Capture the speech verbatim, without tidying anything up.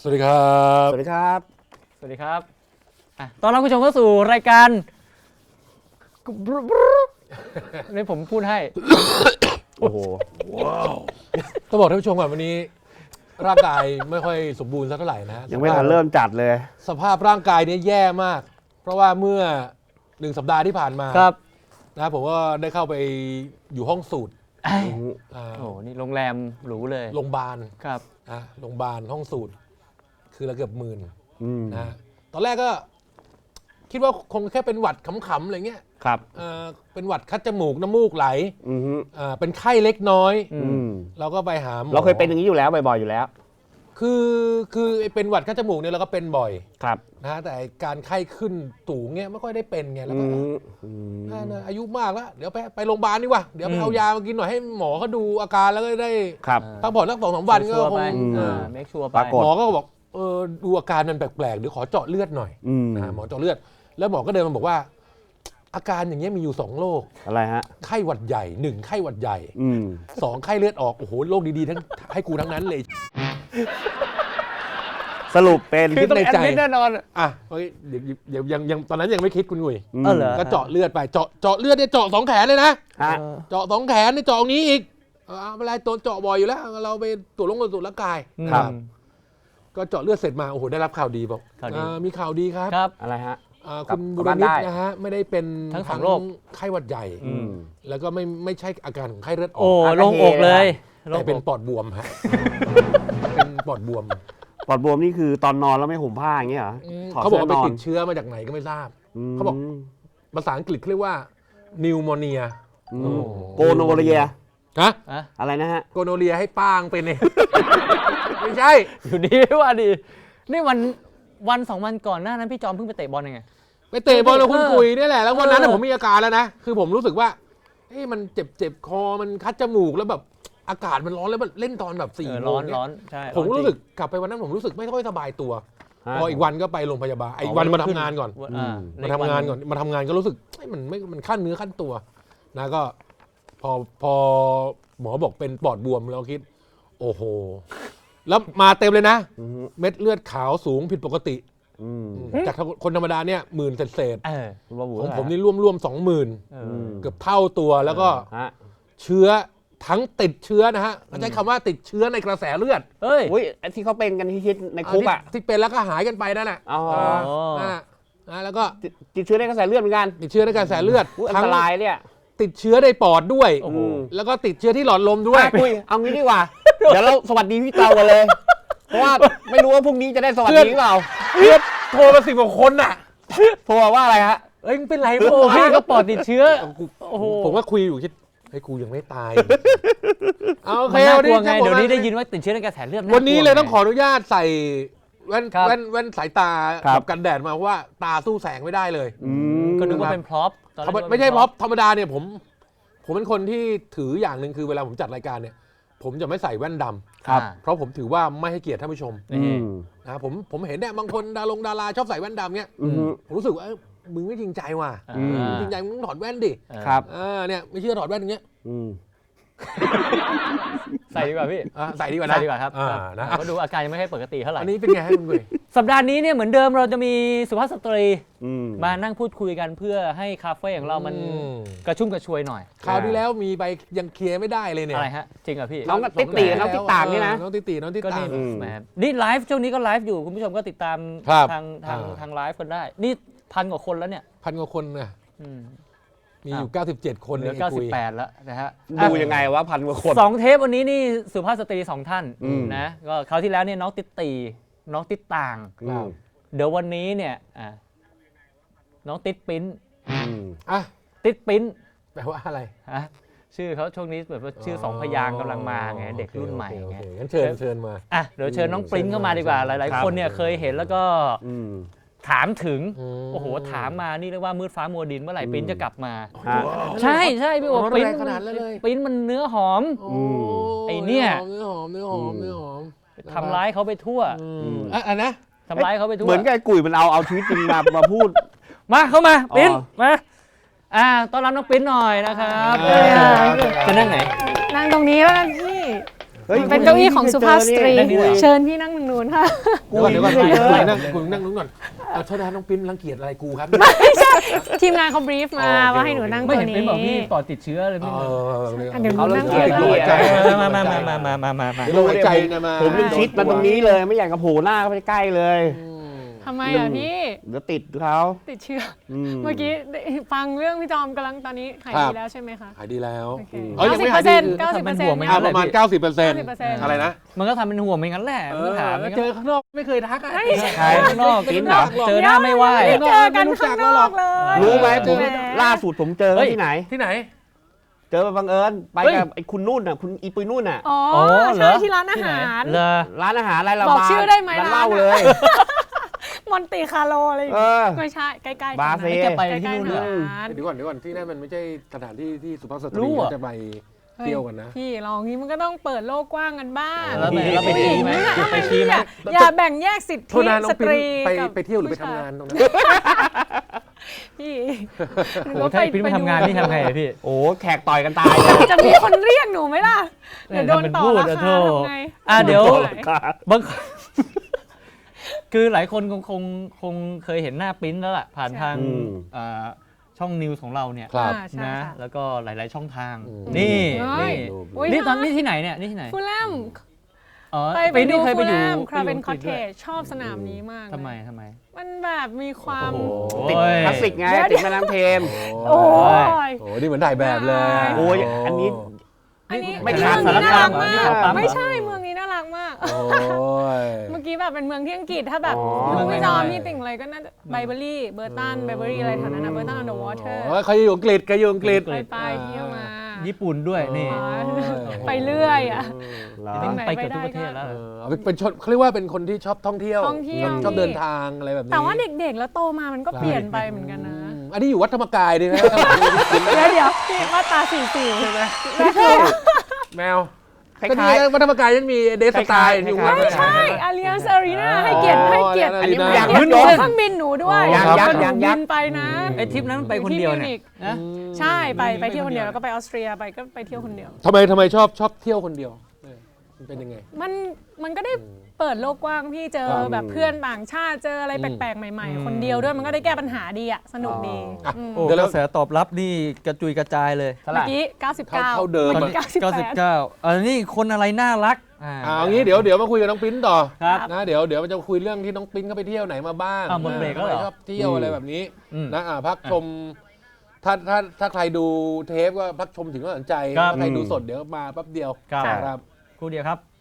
วัสดีครับสวัสดีครับสวัสดีครับอ่ะตอนรับผู้ชมเข้าสู่รายการนี่ผมพูดให้โอ้โหต้องบอกท่านผู้ชมก่อนวันนี้ร่างกายไม่ค่อยสมบูรณ์สักเท่าไหร่นะยังไม่ทันเริ่มจัดเลยสภาพร่างกายนี้แย่มาก เพราะว่าเมื่อหนึ่งสัปดาห์ที่ผ่านมาครับนะผมก็ได้เข้าไปอยู่ห้องสูตรโอ้นี่โรงแรมหรูเลยโรงพยาบาลครับนะโรงพยาบาลห้องสูตรคือละเกือบหมื่นนะตอนแรกก็คิดว่าคงแค่เป็นหวัดขำๆอะไรเงี้ยครับเป็นหวัดคัดจมูกน้ำมูกไหลเป็นไข้เล็กน้อยเราก็ไปหาหมอเราเคยเป็นอย่างนี้อยู่แล้วบ่อยๆอยู่แล้วคือคือเป็นหวัดคัดจมูกเนี่ยเราก็เป็นบ่อยครับนะแต่การไข้ขึ้นสูงเนี่ยไม่ค่อยได้เป็นไงแล้วก็อายุมากแล้วเดี๋ยวไปไปโรงพยาบาลดีกว่าเดี๋ยวไปเอายามากินหน่อยให้หมอเขาดูอาการแล้วก็ได้พักผ่อนสักสองสามวันก็คงเมคชัวร์ไปหมอก็บอกเออดูอาการมันแปลกๆเดี๋ยวขอเจาะเลือดหน่อยนะหมอเจาะเลือดแล้วหมอก็เดินมาบอกว่าอาการอย่างเงี้ยมีอยู่สองโรคอะไรฮะไข้หวัดใหญ่หนึ่งไข้หวัดใหญ่สองไข้เลือดออกโอ้โหโรคดีๆทั้งให้กูทั้งนั้นเลยสรุปเป็นคือต้องแอดมิดแน่นอนอ่ะเฮ้ยเดี๋ยวยังยังตอนนั้นยังไม่คิดคุณหนุ่ยก็เจาะเลือดไปเจาะเจาะเลือดเนี่ยเจาะสองแขนเลยนะเจาะสองแขนเนี่ยเจาะนี้อีกเอาอะไรตัวเจาะบ่อยอยู่แล้วเราไปตรวจลงตรวจร่างกายครับก็เจาะเลือดเสร็จมาโอ้โหได้รับข่าวดีบอกมีข่าวดีครับครับอะไรฮะคุณบุรณิตนะฮะไม่ได้เป็นทั้งสองโรคไข้หวัดใหญ่แล้วก็ไม่ไม่ใช่อาการของไข้เลือดออกโอ้ลงอกเลยแต่เป็นปอดบวมฮะเป็นปอดบวมปอดบวมนี่คือตอนนอนแล้วไม่ห่มผ้าอย่างเงี้ยเหรอเขาบอกว่าไปติดเชื้อมาจากไหนก็ไม่ทราบเขาบอกภาษาอังกฤษเรียกว่านิวโมเนียโกโนเรียฮะอะไรนะฮะโกโนเรียให้ป้างเป็นเนี่ยไม่ใช่อยู่ดีว่าดีนี่วันวันสองวันก่อนหน้านั้นพี่จอมเพิ่งไปเตะบอลยังไงไปเตะบอลแล้วคุณคุยนี่แหละแล้ววันนั้นผมมีอาการแล้วนะคือผมรู้สึกว่าเฮ้ยมันเจ็บเจ็บคอมันคัดจมูกแล้วแบบอากาศมันร้อนแล้วมันเล่นตอนแบบสี่โมงร้อนใช่ผมรู้สึกกลับไปวันนั้นผมรู้สึกไม่ค่อยสบายตัวพออีกวันก็ไปโรงพยาบาลอีกวันมาทำงานก่อนมาทำงานก่อนมาทำงานก็รู้สึกมันไม่มันขั้นเนื้อขั้นตัวนะก็พอพอหมอบอกเป็นปอดบวมเราคิดโอ้โหแล้วมาเต็มเลยนะเม็ดเลือดขาวสูงผิดปกติจากคนธรรมดาเนี่ยหมื่นเศษของผมนี่ร่วมร่วมสองหมื่นเกือบเท่าตัวแล้วก็เชื้อทั้งติดเชื้อนะฮะใช้คำว่าติดเชื้อในกระแสเลือดเฮ้ยที่เขาเป็นกันที่คิดในคุกอ่ะที่เป็นแล้วก็หายกันไปนั่นแหละอ๋อนะแล้วก็ติดเชื้อในกระแสเลือดเหมือนกันติดเชื้อในกระแสเลือดอันตรายเนี่ยติดเชื้อในปอดด้วยแล้วก็ติดเชื้อที่หลอดลมด้วยคุยเอางี้ดีกว่าเดี๋ยวเราสวัสดีพี่เตากันเลยเพราะว่าไม่รู้ว่าพรุ่งนี้จะได้สวัสดีหรือเปล่าเพื่อนโทรมาสิบกว่าคนน่ะโทรว่าอะไรฮะเอ้ยเป็นไรโอ้พี่ก็ปอดติดเชื้อผมก็คุยอยู่คิดไอ้กูยังไม่ตายโอเควันนี้เดี๋ยวนี้ได้ยินว่าติดเชื้อในกระแสเลือดวันนี้เลยต้องขออนุญาตใส่แว่นแว่นแว่นสายตากับกันแดดมาเพราะว่าตาสู้แสงไม่ได้เลยก็นึกว่าเป็นพร็อพไม่ใช่พร็อพธรรมดาเนี่ยผมผมเป็นคนที่ถืออย่างหนึ่งคือเวลาผมจัดรายการเนี่ยผมจะไม่ใส่แว่นดำครับเพราะผมถือว่าไม่ให้เกียรติท่านผู้ชมนะผมผมเห็นเนี่ยบางคนดารงดาราชอบใส่แว่นดำเนี่ยผมรู้สึกว่ามึงไม่จริงใจว่ะจริงใจมึงถอดแว่นดิครับเนี่ยไม่เชื่อถอดแว่นอย่างเงี้ยใส่ดีกว่าพี่ใส่ดีกว่านะใส่ดีกว่าครับก็ดูอาการยังไม่ค่อยปกติเท่าไหร่อันนี้เป็นไงให้คุณคุยสัปดาห์นี้เนี่ยเหมือนเดิมเราจะมีสุภาพสตรีมานั่งพูดคุยกันเพื่อให้คาเฟ่ของเรามันกระชุ่มกระชวยหน่อยคราวที่แล้วมีไปยังเคลียร์ไม่ได้เลยเนี่ยอะไรฮะจริงเหรอพี่น้องติ๊กตีน้องติ๊กต่างนี่นะน้องติ๊กตีน้องติ๊กต่างนี่ไลฟ์ช่วงนี้ก็ไลฟ์อยู่คุณผู้ชมก็ติดตามทางทางทางไลฟ์กันได้นี่พันกว่าคนแล้วเนี่ยพันกว่าคนนะมีอยู่เก้าสิบเจ็ดคนเหลือเก้าสิบแปดแล้วนะฮะดูยังไงวะพันกว่าคนสองเทปวันนี้นี่สุภาพสตรีสองท่านนะก็คราวที่แล้วเนี่ยน้องติ๊กตีน้องติ๊กต่างเดี๋ยววันนี้เนี่ยน้องติ๊กปิ้นอ่ะติ๊กปิ้นแปลว่าอะไรฮะชื่อเขาช่วงนี้แบบว่าชื่อสองพยางค์กำลังมาไงเด็กรุ่นใหม่ไงงั้นเชิญเชิญมาอ่ะเดี๋ยวเชิญน้องปิ้นเข้ามาดีกว่าหลายๆคนเนี่ยเคยเห็นแล้วก็ถามถึงโอ้โหถามมานี่เรียกว่ามืดฟ้ามัวดินเมื่อไหร่ปิ้นจะกลับมาใช่ใช่พี่โอ๋ปิ้นปิ้นมันเนื้อหอมไอเนี่ยเนื้อหอมเนื้อหอมเนื้อหอมทำร้ายเขาไปทั่วอ่ะนะทำร้ายเขาไปทั่วเหมือนกับไอ้กุ๋ยมันเอาเอาชีวิตจริงมามาพูดมาเข้ามาปิ้นมาอ่าต้อนรับน้องปิ้นหน่อยนะครับจะนั่งไหนนั่งตรงนี้แล้วกันพี่เฮ้ยเป็นเก้าอี้ของสุภาพสตรีนั่งนี่เหรอเชิญพี่นั่งตรงนู้นค่ะเดี๋ยวก่อนเดี๋ยวก่อนคุณนั่งคุณนั่งนู้นก่อนเอาโทษนะน้องปิ้นรังเกียจอะไรกูครับไม่ใช่ทีมงานเขาบรีฟมาอ๋อโอเคว่าให้หนูนั่งไม่ตัวเห็นเป็นนี้บอกพี่ปอดติดเชื้อเลยเอพี่อเดี๋ยวหนูเขาเริ่นั่มงเกลียดตัพี่วอะมามามามามามามามาเดี๋ยวเราไว้ใจนะมาผมยังชิดมาตรงนี้เลยไม่อยากกระโผล่หน้าเข้าไปใกล้เลยทำไมอ่ะพี่เดี๋ยวติดเขาติดเชื้ออืมเมื่อกี้ได้ฟังเรื่องพี่จอมกำลังตอนนี้หายดีแล้วใช่ไหมคะหายดีแล้วโอเคเอ้ยยังไม่เก้าหายสิบดีเปอร์เซ็นต์คือเก้าสิบเปอร์เซ็นต์ไม่อ่ะงั้นประมาณ เก้าสิบเปอร์เซ็นต์เก้าสิบเปอร์เซ็นต์อะไรนะมันก็ทำเป็นห่วงไม่งั้นแหละไม่ถามไม่เจงั้นอข้างนอกไม่เคยทักอ่ะไม่ใช่ใครข้างนอกกินเหรอเจอหน้าไม่ไหวไม่เจอกันข้างนอกเลยรู้ไหมผมแหล่าสุดผมเจอเฮ้ยที่ไหนที่ไหนเจอมาบังเอิญไปเฮ้ยกับไอ้คุณนุ่นน่ะคุณอีปุยนุ่นน่ะอ๋ออ๋อเหรใช่อที่ร้านอาที่ไหนหารเลอร้านอาหารอะไรเราบอกชื่อได้ไหมร้านร้านเหล้าอะเลยมอนติคาร์โลอะไรอย่างเอเงี้ยอไม่ใช่ใกล้ๆบากันเฟ่นะแกไปใกที่ล้นู่นๆเหรอร้านเดี๋ยวก่อนเดี๋ยวก่อนที่นั่นมันไม่ใช่สถานที่ที่สุภาพสตรู้รีอะจะไปเที่ยวกันนะพี่ลองนี้มันก็ต้องเปิดโลกกว้างกันบ้างแล้วไปแล้วไปชี้ไหมไปชี้ไหมอย่าแบ่งแยกสิทโทธิษนะน้อสงปิ้ตนรีไปกับไปเที่ยวหรือไปผู้ชทำงานตรงนั้นพี่โอ้ถ้าพี่ไม่ทำงานนี่ทำไงอะพี่โอ้แขกต่อยกันตายเลยจะมีคนเรียกหนูไหมล่ะเดี๋ยวโดนต่อพูดราอะคาโธ่ทำไงอ่ะเดี๋ยวโดนไหนบาง คือหลายคนคงคงคงเคยเห็นหน้าปริ้นแล้วล่ะผ่านทางอืมอ่าช่องนิวส์ของเราเนี่ยครับอ่าใช่นะค่ะแล้วก็หลาย ๆ ช่องทางอืมนี่เฮ้ยนี่อุ๊ยนี่ตอนน่านี้ที่ไหนเนี่ยนี่ที่ไหนฟูลแลมอ๋อไปไปปริ้นดูนี่เคยไปฟูลอแลยู่มคราเบนไปคออยู่เทด้วยจชอบสนามนี้มากทำไมเลยทำไมมันแบบมีความโอ้โหติดคลาสสิกไงติดแม่น้ำเทมโอ้ยโอ้นี่เหมือนถ่ายแบบเลยะโอ้ยอันนี้อันนี้ไม่เมืขาดองสารนี้น่าคารัมกเหรอมานี่กเขาปั๊มไม่ใช่เมืองนี้น่ารักมากโอ้ยเมื่อกี้แบบเป็นเมืองที่อังกฤษถ้าแบบอ๋อเมืองไม่จอมที่ติ่งอะไรก็น่าจะไบเบอรี่เบอร์ตันไบเบอรี่อะไรแถวนั้นนะเบอร์ตันออนเดอะวอเตอร์โอ้ยใครอยู่อังกฤษใครอยู่อังกฤษไปไปเที่ยวมาญี่ปุ่นด้วยนี่อ๋อโอ้ยไปเรื่อยอ่ะเหรอจริงไหนไปเกือบทุกประเทศแล้วเออเอาเป็นเป็นชนเขาเรียกว่าเป็นคนที่ชอบท่องเที่ยวท่องเที่ยวชอบเดินทางอะไรแบบนี้แต่ว่าเด็กๆ แล้วโตมามันก็เปลี่ยนไปเหมือนกันนะอืมอันนี้อยู่วัดธรรมกายดีนะเดี๋ยวเดี๋ยวพี่มาตราสี่สี่ใช่ไหมแมวคล้ก็นี่ายไงวัดธรรมกายยังมีเดสไตล์อยู่คล้ายๆไม่ใช่อารียสอารีนาให้เกียรติให้เกียรติอ๋ออันนี้ Allianz ให้เกียรติ Arena เครื่องบินหนูด้วยยังยัยังงยังบิยังนไปนะไอ้ทริปนั้นไปคนเดียวเนี่ยนะใช่ไปไปไม่เที่ยวคนเดียวไม่แล้วก็ไปออสเตรียไปก็ไปเที่ยวคนเดียวทำไมทำไมชอบชอบเที่ยวคนเดียวเออมันเป็นยังไงมันมันก็ได้เปิดโลกกว้างพี่เจอครับแบบเพื่อนต่างชาติเจออะไรแปลกๆ ใหม่ๆ คนเดียวด้วยมันก็ได้แก้ปัญหาดีอ่ะสนุกดีอ่ะอืมโอ้เดี๋ยวกเราระแสตอบรับนี่กระจุยกระจายเลยๆเท่าไหเมื่ร่อกี้เก้าสิบเก้าเท่าเดิมมื่อกี้เก้าสิบเก้าแปสิบดเก้าอันนี้คนอะไรน่ารักอ่าอ่าเอางี้เดี๋ยวเดี๋ยวมาคุยกับน้องปิ้นต่อครับนะเดี๋ยวเดี๋ยวมันจะคุยเรื่องที่น้องปิ้นเขาไปเที่ยวไหนมาบ้างอ้าวหมดเบรกแล้วเหรอทำไมชอบเที่ยวอะไรแบบนี้อืมนะอ่าพักชมถ้าถ้าถ้าใครดูเทปก็พักชมถึงก็สนใจครับถ้าใครดูสดเดี๋ยวมาแป๊บเดียวครับครับครู่เดียวครับ